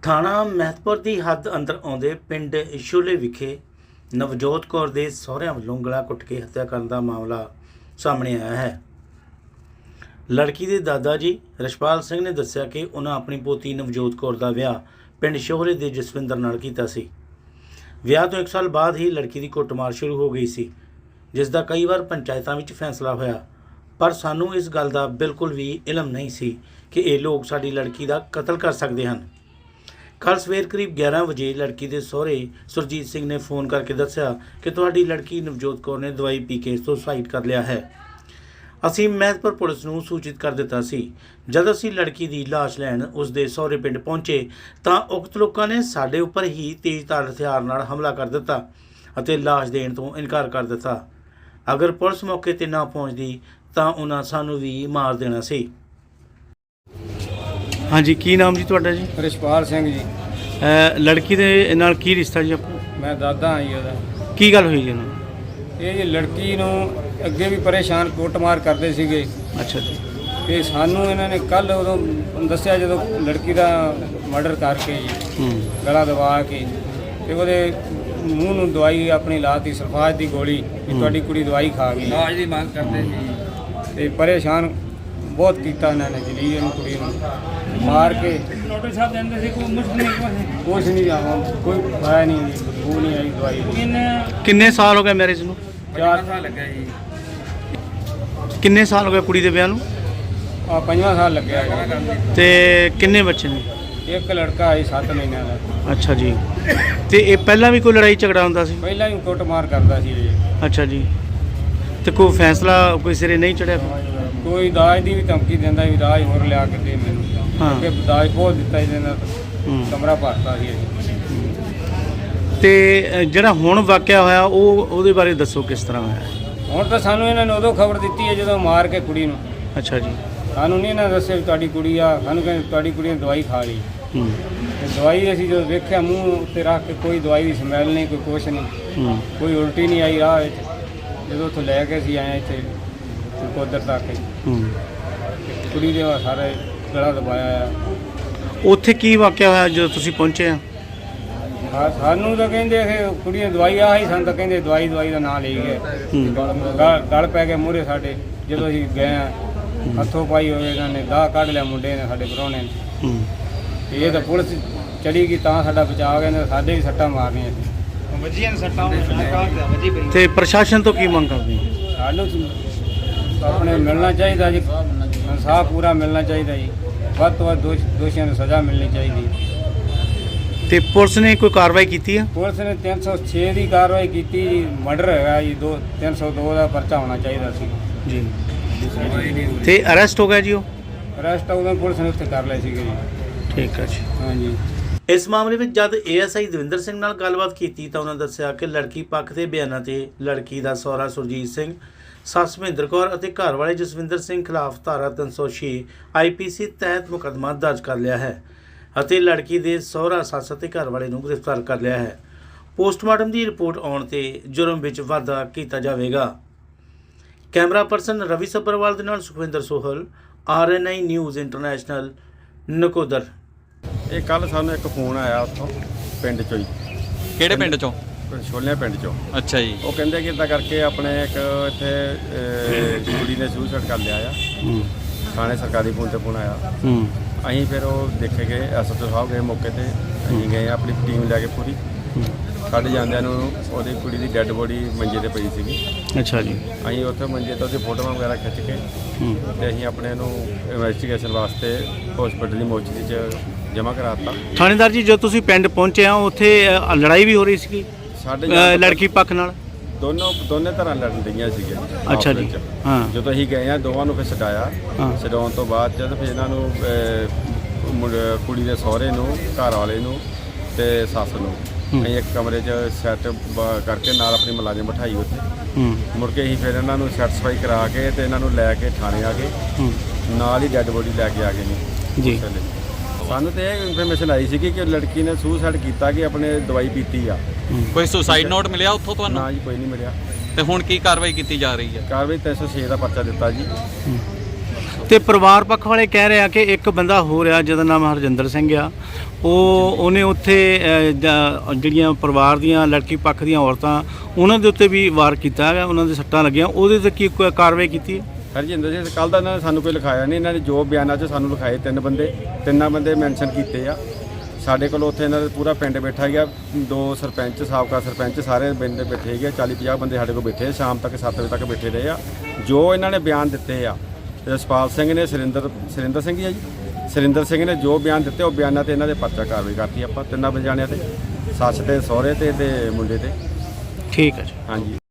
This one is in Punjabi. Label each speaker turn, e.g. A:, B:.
A: ਥਾਣਾ ਮਹਿਤਪੁਰ ਦੀ ਹੱਦ ਅੰਦਰ ਆਉਂਦੇ ਪਿੰਡ ਛੋਲੇ ਵਿਖੇ ਨਵਜੋਤ ਕੌਰ ਦੇ ਸਹੁਰਿਆਂ ਵੱਲੋਂ ਗਲਾ ਘੁੱਟ ਕੇ ਹੱਤਿਆ ਕਰਨ ਦਾ ਮਾਮਲਾ ਸਾਹਮਣੇ ਆਇਆ ਹੈ। ਲੜਕੀ ਦੇ ਦਾਦਾ ਜੀ ਰਛਪਾਲ ਸਿੰਘ ਨੇ ਦੱਸਿਆ ਕਿ ਉਹਨਾਂ ਆਪਣੀ ਪੋਤੀ ਨਵਜੋਤ ਕੌਰ ਦਾ ਵਿਆਹ ਪਿੰਡ ਛੋਲੇ ਦੇ ਜਸਵਿੰਦਰ ਨਾਲ ਕੀਤਾ ਸੀ। ਵਿਆਹ ਤੋਂ 1 ਸਾਲ ਬਾਅਦ ਹੀ ਲੜਕੀ ਦੀ ਕੁੱਟਮਾਰ ਸ਼ੁਰੂ ਹੋ ਗਈ ਸੀ, ਜਿਸ ਦਾ ਕਈ ਵਾਰ ਪੰਚਾਇਤਾਂ ਵਿੱਚ ਫੈਸਲਾ ਹੋਇਆ, ਪਰ ਸਾਨੂੰ ਇਸ ਗੱਲ ਦਾ ਬਿਲਕੁਲ ਵੀ ਇਲਮ ਨਹੀਂ ਸੀ ਕਿ ਇਹ ਲੋਕ ਸਾਡੀ ਲੜਕੀ ਦਾ ਕਤਲ ਕਰ ਸਕਦੇ ਹਨ। ਕੱਲ੍ਹ ਸਵੇਰ ਕਰੀਬ 11 ਵਜੇ ਲੜਕੀ ਦੇ ਸਹੁਰੇ ਸੁਰਜੀਤ ਸਿੰਘ ਨੇ ਫੋਨ ਕਰਕੇ ਦੱਸਿਆ ਕਿ ਤੁਹਾਡੀ ਲੜਕੀ ਨਵਜੋਤ ਕੌਰ ਨੇ ਦਵਾਈ ਪੀ ਕੇ ਸੁਸਾਈਡ ਕਰ ਲਿਆ ਹੈ। ਅਸੀਂ ਮਹਿਤਪੁਰ ਪੁਲਿਸ ਨੂੰ ਸੂਚਿਤ ਕਰ ਦਿੱਤਾ ਸੀ। ਜਦ ਅਸੀਂ ਲੜਕੀ ਦੀ ਲਾਸ਼ ਲੈਣ ਉਸ ਦੇ ਸਹੁਰੇ ਪਿੰਡ ਪਹੁੰਚੇ ਤਾਂ ਉਕਤ ਲੋਕਾਂ ਨੇ ਸਾਡੇ ਉੱਪਰ ਹੀ ਤੇਜ਼ਧਾਰ ਹਥਿਆਰ ਨਾਲ ਹਮਲਾ ਕਰ ਦਿੱਤਾ ਅਤੇ ਲਾਸ਼ ਦੇਣ ਤੋਂ ਇਨਕਾਰ ਕਰ ਦਿੱਤਾ। ਅਗਰ ਪੁਲਿਸ ਮੌਕੇ ਤੇ ਨਾ ਪਹੁੰਚਦੀ ਤਾਂ ਉਹਨਾਂ ਸਾਨੂੰ ਵੀ ਮਾਰ ਦੇਣਾ ਸੀ। ਹਾਂਜੀ, ਕੀ ਨਾਮ ਜੀ ਤੁਹਾਡਾ ਜੀ?
B: ਰਛਪਾਲ ਸਿੰਘ ਜੀ।
A: ਲੜਕੀ ਦੇ ਨਾਲ ਕੀ ਰਿਸ਼ਤਾ ਜੀ ਆਪਣਾ?
B: ਮੈਂ ਦਾਦਾ ਹਾਂ ਜੀ ਉਹਦਾ।
A: ਕੀ ਗੱਲ ਹੋਈ ਜੀ ਉਹਨੂੰ?
B: ਇਹ ਜੀ ਲੜਕੀ ਨੂੰ ਅੱਗੇ ਵੀ ਪਰੇਸ਼ਾਨ ਕੁੱਟਮਾਰ ਕਰਦੇ ਸੀਗੇ।
A: ਅੱਛਾ ਜੀ।
B: ਤੇ ਸਾਨੂੰ ਇਹਨਾਂ ਨੇ ਕੱਲ ਉਦੋਂ ਦੱਸਿਆ ਜਦੋਂ ਲੜਕੀ ਦਾ ਮਰਡਰ ਕਰਕੇ ਜੀ ਗਲਾ ਦਬਾ ਕੇ ਤੇ ਉਹਦੇ ਮੂੰਹ ਨੂੰ ਦਵਾਈ ਆਪਣੀ ਲਾਤੀ ਸਲਫਾਜ ਦੀ ਗੋਲੀ ਵੀ ਤੁਹਾਡੀ ਕੁੜੀ ਦਵਾਈ ਖਾ ਗਈ। ਇਲਾਜ ਦੀ ਮੰਗ ਕਰਦੇ ਸੀ ਤੇ ਪਰੇਸ਼ਾਨ ਬਹੁਤ ਕੀਤਾ ਇਹਨਾਂ ਨੇ ਜਲੀਲ ਨੂੰ ਕੁੜੀ ਨੂੰ ਮਾਰ ਕੇ ਡਾਕਟਰ ਸਾਹਿਬ ਕਹਿੰਦੇ ਸੀ ਕੋਈ ਮੁਸ਼ਕਲ ਨਹੀਂ ਕੁਛ ਨਹੀਂ ਆਵਾਂ ਕੋਈ ਪਾਇਆ ਨਹੀਂ ਉਹ ਨਹੀਂ ਆਈ ਦਵਾਈ।
A: ਕਿੰਨੇ ਸਾਲ ਹੋ ਗਏ ਮੈਰਿਜ ਨੂੰ?
B: 4 ਸਾਲ ਲੱਗਾ ਜੀ।
A: ਕਿੰਨੇ ਸਾਲ ਹੋ ਗਏ ਕੁੜੀ ਦੇ ਵਿਆਹ ਨੂੰ?
B: 5ਵਾਂ ਸਾਲ ਲੱਗਿਆ ਜੀ।
A: ਤੇ ਕਿੰਨੇ ਬੱਚੇ ਨੇ?
B: ਇੱਕ ਲੜਕਾ ਹੈ 7 ਮਹੀਨਿਆਂ ਦਾ।
A: ਅੱਛਾ ਜੀ। ਤੇ ਇਹ ਪਹਿਲਾਂ ਵੀ ਕੋਈ ਲੜਾਈ ਝਗੜਾ ਹੁੰਦਾ ਸੀ?
B: ਪਹਿਲਾਂ ਹੀ ਕੁੱਟਮਾਰ ਕਰਦਾ ਸੀ ਜੀ।
A: ਅੱਛਾ ਜੀ। ਤੇ ਕੋਈ ਫੈਸਲਾ ਕੋਈ ਸਿਰੇ ਨਹੀਂ ਚੜਿਆ?
B: ਕੋਈ ਦਾਜ ਦੀ ਵੀ ਧਮਕੀ ਦਿੰਦਾ ਵੀ ਦਾਜ ਹੋਰ ਲਿਆ ਕੇ ਦੇ ਮੈਨੂੰ।
A: ਹਾਂ।
B: ਕਿ ਦਾਜ ਬਹੁਤ ਦਿੱਤਾ ਇਹਦੇ ਨਾਲ ਕਮਰਾ ਭਰਤਾ ਸੀ ਜੀ।
A: ਤੇ ਜਿਹੜਾ ਹੁਣ ਵਾਕਿਆ ਹੋਇਆ ਉਹਦੇ ਬਾਰੇ ਦੱਸੋ ਕਿਸ ਤਰ੍ਹਾਂ ਹੋਇਆ?
B: ਹੁਣ ਤਾਂ ਸਾਨੂੰ ਇਹਨਾਂ ਨੇ ਉਦੋਂ ਖਬਰ ਦਿੱਤੀ ਹੈ ਜਦੋਂ ਮਾਰ ਕੇ ਕੁੜੀ ਨੂੰ।
A: ਅੱਛਾ ਜੀ।
B: ਸਾਨੂੰ ਨਹੀਂ ਇਹਨਾਂ ਦੱਸਿਆ ਵੀ ਤੁਹਾਡੀ ਕੁੜੀ ਆ। ਸਾਨੂੰ ਕਹਿੰਦੇ ਤੁਹਾਡੀ ਕੁੜੀ ਨੇ ਦਵਾਈ ਖਾ ਲਈ। ਤੇ ਦਵਾਈ ਅਸੀਂ ਜਦੋਂ ਵੇਖਿਆ ਮੂੰਹ ਉੱਤੇ ਰੱਖ ਕੇ ਕੋਈ ਦਵਾਈ ਦੀ ਸਮੈਲ ਨਹੀਂ, ਕੋਈ ਕੁਛ ਨਹੀਂ, ਕੋਈ ਉਲਟੀ ਨਹੀਂ ਆਈ ਰਾਹ ਵਿੱਚ। ਜਦੋਂ ਉੱਥੋਂ ਲੈ ਕੇ ਅਸੀਂ ਆਏ ਇੱਥੇ ਕੋਦਰ ਤੱਕ ਕੁੜੀ ਦੇ ਸਾਰੇ ਗਲਾ ਦਬਾਇਆ ਆ।
A: ਉੱਥੇ ਕੀ ਵਾਕਿਆ ਹੋਇਆ ਜਦੋਂ ਤੁਸੀਂ ਪਹੁੰਚੇ ਆ?
B: ਸਾਨੂੰ ਤਾਂ ਕਹਿੰਦੇ ਕਿ ਕੁੜੀ ਨੇ ਦਵਾਈ ਆਹੀ, ਸਾਨੂੰ ਤਾਂ ਕਹਿੰਦੇ ਦਵਾਈ ਦਾ ਨਾਂ ਲਈ ਗਏ। ਗਲ ਪੈ ਕੇ ਮੂਹਰੇ ਸਾਡੇ ਜਦੋਂ ਅਸੀਂ ਗਏ ਆ ਹੱਥੋਂ ਪਾਈ ਹੋਏ ਇਹਨਾਂ ਨੇ ਦਾਹ ਕੱਢ ਲਿਆ ਮੁੰਡੇ ਨੇ ਸਾਡੇ ਪ੍ਰਾਹੁਣੇ ਨੇ। ਤੇ ਇਹ ਤਾਂ ਪੁਲਿਸ ਚੜੀ ਗਈ ਤਾਂ ਸਾਡਾ ਬਚਾਅ ਹੋ ਗਿਆ, ਸਾਡੇ ਵੀ ਸੱਟਾਂ ਮਾਰਨੀਆਂ ਸੀ ਵੱਜੀਆਂ ਨੇ ਸੱਟਾਂ।
A: ਤੇ ਪ੍ਰਸ਼ਾਸਨ ਤੋਂ ਕੀ ਮੰਗ ਕਰਦੇ?
B: ਸਾਨੂੰ ਆਪਣੇ ਮਿਲਣਾ ਚਾਹੀਦਾ ਜੀ, ਇਨਸਾਫ ਪੂਰਾ ਮਿਲਣਾ ਚਾਹੀਦਾ ਜੀ। ਵੱਧ ਤੋਂ ਵੱਧ ਦੋਸ਼ੀਆਂ ਨੂੰ ਸਜ਼ਾ ਮਿਲਣੀ ਚਾਹੀਦੀ।
A: ਤੇ ਪੁਲਿਸ ਨੇ ਕੋਈ ਕਾਰਵਾਈ ਕੀਤੀ ਆ?
B: ਪੁਲਿਸ ਨੇ 306 ਦੀ ਕਾਰਵਾਈ ਕੀਤੀ ਜੀ। ਮਰਡਰ ਹੈਗਾ ਜੀ। 302 ਦਾ ਪਰਚਾ ਹੋਣਾ ਚਾਹੀਦਾ ਸੀ
A: ਜੀ। ਤੇ ਅਰੈਸਟ ਹੋ ਗਿਆ ਜੀ? ਉਹ
B: ਅਰੈਸਟ ਉਦੋਂ ਪੁਲਿਸ ਨੇ ਉੱਥੇ ਕਰ ਲਏ ਸੀਗੇ ਜੀ।
A: ਠੀਕ ਹੈ ਜੀ।
B: ਹਾਂਜੀ।
A: ਇਸ ਮਾਮਲੇ ਵਿੱਚ ਜਦ ASI ਦਵਿੰਦਰ ਸਿੰਘ ਨਾਲ ਗੱਲਬਾਤ ਕੀਤੀ ਤਾਂ ਉਹਨਾਂ ਦੱਸਿਆ ਕਿ ਲੜਕੀ ਪੱਖ ਦੇ ਬਿਆਨਾਂ ਤੇ ਲੜਕੀ ਦਾ ਸਹੁਰਾ ਸੁਰਜੀਤ ਸਿੰਘ, ਸੱਸ ਮਹਿੰਦਰ ਕੌਰ ਅਤੇ ਘਰ ਵਾਲੇ ਜਸਵਿੰਦਰ ਸਿੰਘ ਖਿਲਾਫ ਧਾਰਾ 306 IPC ਤਹਿਤ ਮੁਕੱਦਮਾ ਦਰਜ ਕਰ ਲਿਆ ਹੈ ਅਤੇ ਲੜਕੀ ਦੇ ਸਹੁਰਾ, ਸੱਸ ਅਤੇ ਘਰ ਵਾਲੇ ਨੂੰ ਗ੍ਰਿਫਤਾਰ ਕਰ ਲਿਆ ਹੈ। ਪੋਸਟਮਾਰਟਮ ਦੀ ਰਿਪੋਰਟ ਆਉਣ ਤੇ ਜੁਰਮ ਵਿੱਚ ਵਾਧਾ ਕੀਤਾ ਜਾਵੇਗਾ। ਕੈਮਰਾ ਪਰਸਨ ਰਵੀ ਸੱਭਰਵਾਲ ਦੇ ਨਾਲ Sukhwinder Sohal, RNI news international, Nakodar.
C: ਇਹ ਕੱਲ ਸਾਨੂੰ ਇੱਕ ਫੋਨ ਆਇਆ ਉੱਥੋਂ ਪਿੰਡ ਚੋਂ ਹੀ।
D: ਕਿਹੜੇ ਪਿੰਡ ਚੋਂ?
C: ਛੋਲਿਆਂ ਪਿੰਡ ਚੋਂ।
D: ਅੱਛਾ ਜੀ।
C: ਉਹ ਕਹਿੰਦੇ ਕਿ ਇੱਦਾਂ ਕਰਕੇ ਆਪਣੇ ਇੱਕ ਇੱਥੇ ਕੁੜੀ ਨੇ ਸੁਸਾਈਡ ਕਰ ਲਿਆ ਆ। ਥਾਣੇ ਸਰਕਾਰੀ ਫੋਨ ਤੇ ਫੋਨ ਆਇਆ। ਅਸੀਂ ਫਿਰ ਉਹ ਦੇਖੇ ਗਏ, SHO ਸਾਹਿਬ ਗਏ ਮੌਕੇ ਤੇ। ਅਸੀਂ ਗਏ ਆਪਣੀ ਟੀਮ ਲੈ ਕੇ ਪੂਰੀ। ਕੱਢ ਜਾਂਦਿਆਂ ਨੂੰ ਉਹਦੀ ਕੁੜੀ ਦੀ ਡੈੱਡ ਬੋਡੀ ਮੰਜੇ ਤੇ ਪਈ ਸੀਗੀ।
A: ਅੱਛਾ ਜੀ।
C: ਅਸੀਂ ਉੱਥੇ ਮੰਜੇ ਤੋਂ ਉਹਦੀ ਫੋਟੋਆਂ ਵਗੈਰਾ ਖਿੱਚ ਕੇ ਤੇ ਅਸੀਂ ਆਪਣੇ ਨੂੰ ਇਨਵੈਸਟੀਗੇਸ਼ਨ ਵਾਸਤੇ ਹਸਪੀਟਲ ਦੀ ਮੋਚਰੀ 'ਚ ਜਮ੍ਹਾਂ ਕਰਾਤਾ।
A: ਥਾਣੇਦਾਰ ਜੀ, ਜਦੋਂ ਤੁਸੀਂ ਪਿੰਡ ਪਹੁੰਚੇ ਆ ਉੱਥੇ ਲੜਾਈ ਵੀ ਹੋ ਰਹੀ ਸੀਗੀ
C: ਸਾਡੇ
A: ਲੜਕੀ ਪੱਖ ਨਾਲ?
C: ਦੋਨੇ ਤਰ੍ਹਾਂ ਲੜਨ ਡਈਆਂ ਸੀਗੀਆਂ।
A: ਅੱਛਾ ਜੀ। ਹਾਂ।
C: ਜਦੋਂ ਅਸੀਂ ਗਏ ਆ ਦੋਵਾਂ ਨੂੰ ਫਿਰ ਛਡਾਇਆ। ਛਡਾਉਣ ਤੋਂ ਬਾਅਦ ਜਦ ਫਿਰ ਇਹਨਾਂ ਨੂੰ ਕੁੜੀ ਦੇ ਸਹੁਰੇ ਨੂੰ, ਘਰ ਵਾਲੇ ਨੂੰ ਤੇ ਸੱਸ ਨੂੰ ਅਸੀਂ ਇੱਕ ਕਮਰੇ 'ਚ ਸੈੱਟ ਕਰਕੇ ਨਾਲ ਆਪਣੀ ਮੁਲਾਜ਼ਮ ਬਿਠਾਈ ਉੱਥੇ। ਮੁੜ ਕੇ ਅਸੀਂ ਫਿਰ ਇਹਨਾਂ ਨੂੰ ਸੈਟੀਸਫਾਈ ਕਰਾ ਕੇ ਤੇ ਇਹਨਾਂ ਨੂੰ ਲੈ ਕੇ ਥਾਣੇ ਆ ਗਏ। ਨਾਲ ਹੀ ਡੈੱਡ ਬੋਡੀ ਲੈ ਕੇ ਆ ਗਏ ਨੇ ਜੀ। ਸਾਨੂੰ ਤੇ ਇਹ ਇਨਫੋਰਮੇਸ਼ਨ ਆਈ ਸੀ ਕਿ ਲੜਕੀ ਨੇ ਸੁਸਾਈਡ ਕੀਤਾ, ਕਿ ਆਪਣੇ ਦਵਾਈ ਪੀਤੀ ਆ।
D: ਕੋਈ ਸੁਸਾਈਡ ਨੋਟ ਮਿਲਿਆ ਉੱਥੋਂ ਤੁਹਾਨੂੰ?
C: ਨਾ ਜੀ, ਕੋਈ ਨਹੀਂ ਮਿਲਿਆ।
D: ਤੇ ਹੁਣ ਕੀ ਕਾਰਵਾਈ ਕੀਤੀ ਜਾ ਰਹੀ ਹੈ?
C: ਕਾਰਵਾਈ 306 ਦਾ ਪਰਚਾ ਦਿੱਤਾ ਜੀ।
A: ਤੇ ਪਰਿਵਾਰ ਪੱਖ ਵਾਲੇ ਕਹਿ ਰਹੇ ਆ ਕਿ ਇੱਕ ਬੰਦਾ ਹੋ ਰਿਹਾ ਜਿਹਦਾ ਨਾਮ ਹਰਜਿੰਦਰ ਸਿੰਘ ਆ, ਉਹਨੇ ਉੱਥੇ ਜਿਹੜੀਆਂ ਪਰਿਵਾਰ ਦੀਆਂ ਲੜਕੀ ਪੱਖ ਦੀਆਂ ਔਰਤਾਂ ਉਹਨਾਂ ਦੇ ਉੱਤੇ ਵੀ ਵਾਰ ਕੀਤਾ ਹੈਗਾ, ਉਹਨਾਂ ਦੇ ਸੱਟਾਂ ਲੱਗੀਆਂ, ਉਹਦੇ ਤੇ ਕੀ ਕੋਈ ਕਾਰਵਾਈ ਕੀਤੀ ਹੈ?
C: ਹਰਜਿੰਦਰ ਸਿੰਘ ਕੱਲ੍ਹ ਦਾ ਇਹਨਾਂ ਨੇ ਸਾਨੂੰ ਕੋਈ ਲਿਖਾਇਆ ਨਹੀਂ, ਇਹਨਾਂ ਨੇ ਜੋ ਬਿਆਨਾਂ 'ਚ ਸਾਨੂੰ ਲਿਖਾਏ ਤਿੰਨਾਂ ਬੰਦੇ ਮੈਂਸ਼ਨ ਕੀਤੇ ਆ ਸਾਡੇ ਕੋਲ। ਉੱਥੇ ਇਹਨਾਂ ਦਾ ਪੂਰਾ ਪਿੰਡ ਬੈਠਾ ਗਿਆ, 2 ਸਰਪੰਚ, ਸਾਬਕਾ ਸਰਪੰਚ, ਸਾਰੇ ਪਿੰਡ ਬੈਠੇ ਗਏ, 40-50 ਬੰਦੇ ਸਾਡੇ ਕੋਲ ਬੈਠੇ, ਸ਼ਾਮ ਤੱਕ 7 ਵਜੇ ਤੱਕ ਬੈਠੇ ਰਹੇ ਆ। ਜੋ ਇਹਨਾਂ ਨੇ ਬਿਆਨ ਦਿੱਤੇ ਆ, ਜਸਪਾਲ ਸਿੰਘ ਨੇ, ਸੁਰਿੰਦਰ ਸਿੰਘ ਹੀ ਆ ਜੀ, ਸੁਰਿੰਦਰ ਸਿੰਘ ਨੇ ਜੋ ਬਿਆਨ ਦਿੱਤੇ ਉਹ ਬਿਆਨਾਂ ਤੇ ਇਹਨਾਂ ਦੇ ਪਰਚਾ ਕਾਰਵਾਈ ਕਰਤੀ ਆਪਾਂ 3 ਜਾਣਿਆਂ ਤੇ, ਸੱਸ ਤੇ, ਸਹੁਰੇ ਤੇ ਮੁੰਡੇ ਤੇ।
A: ਠੀਕ ਹੈ ਜੀ।
C: ਹਾਂਜੀ।